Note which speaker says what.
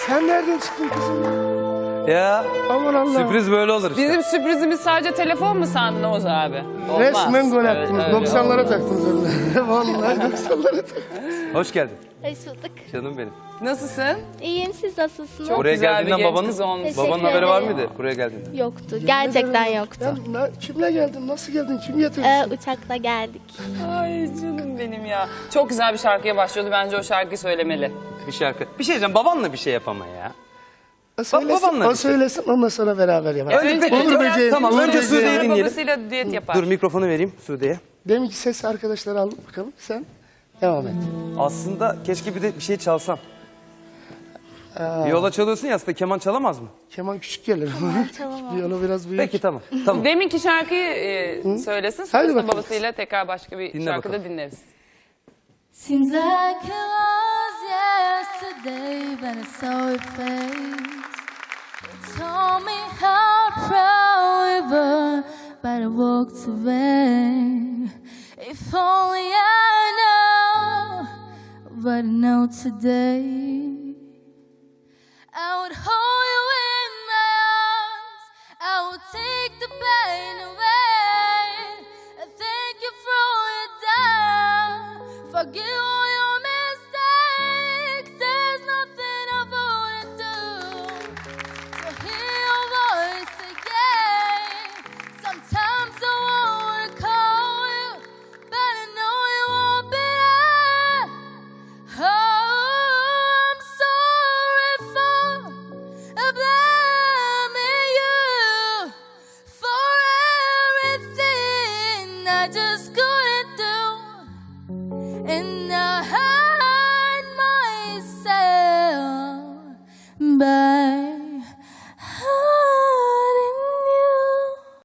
Speaker 1: Sen nereden çıktın kızım?
Speaker 2: Ya
Speaker 1: Aman Allah.
Speaker 2: sürpriz böyle olur işte.
Speaker 3: Bizim sürprizimiz sadece telefon mu sandın Oğuz abi? Olmaz.
Speaker 1: Resmen gol
Speaker 3: Evet,
Speaker 1: attınız.
Speaker 3: öyle
Speaker 1: 90'lara
Speaker 3: olmaz.
Speaker 1: taktınız önüne. Vallahi 90'lara taktınız.
Speaker 2: Hoş geldin
Speaker 4: Hoş bulduk.
Speaker 2: canım benim.
Speaker 3: Nasılsın?
Speaker 4: İyiyim, siz nasılsınız?
Speaker 3: Çok
Speaker 2: Buraya
Speaker 3: güzel bir
Speaker 2: geldiğinden
Speaker 3: genç
Speaker 2: babanın,
Speaker 3: kız olmuş.
Speaker 2: babanın
Speaker 4: Teşekkür
Speaker 2: haberi var
Speaker 4: ederim.
Speaker 2: mıydı buraya geldiğinde?
Speaker 4: Yoktu. Gerçekten yoktu.
Speaker 1: Kimle geldin? Nasıl geldin? Kim getirdi?
Speaker 4: Uçakla geldik.
Speaker 3: Ay canım benim ya. Çok güzel bir şarkıya başlıyordu. Bence o şarkıyı söylemeli.
Speaker 2: Bir şarkı. Bir şey diyeceğim, babanla bir şey yapama ya.
Speaker 1: O söylesin,
Speaker 2: babanla
Speaker 1: o
Speaker 2: bir şey.
Speaker 1: söylesin, ondan sonra beraber yapalım.
Speaker 2: Önce-
Speaker 1: Olur
Speaker 2: önce-
Speaker 1: böceğim.
Speaker 2: tamam,
Speaker 1: olur
Speaker 2: önce
Speaker 1: böceğim.
Speaker 2: Sude'yi dinleyelim.
Speaker 3: Babasıyla düet yapar.
Speaker 2: Dur mikrofonu vereyim Sude'ye.
Speaker 1: Deminki ses arkadaşları al bakalım. Sen devam et.
Speaker 2: Aslında keşke bir de bir şey çalsam. Viola çalıyorsun ya, aslında keman çalamaz mı?
Speaker 1: Keman küçük gelir.
Speaker 4: Çalamam.
Speaker 1: Viyolo biraz büyük.
Speaker 2: Peki tamam. Tamam.
Speaker 3: Deminki şarkıyı söylesin.
Speaker 1: Hadi
Speaker 3: Sonrasında
Speaker 1: bakalım.
Speaker 3: babasıyla tekrar başka bir
Speaker 2: Dinle
Speaker 3: şarkıda
Speaker 2: bakalım.
Speaker 3: dinleriz.
Speaker 5: Seems like it was yesterday when I saw your face. You told me how proud we were, but I walked away. If only I know what I know today, I would hold you in my arms, I would take the pain away. I thank you for all you've done, forgive all your mistakes. There's nothing I wouldn't do to hear your voice again. Sometimes I wanna call you, but I know you won't be there. Oh, I'm sorry for blaming you for everything I just couldn't do, and I hurt myself by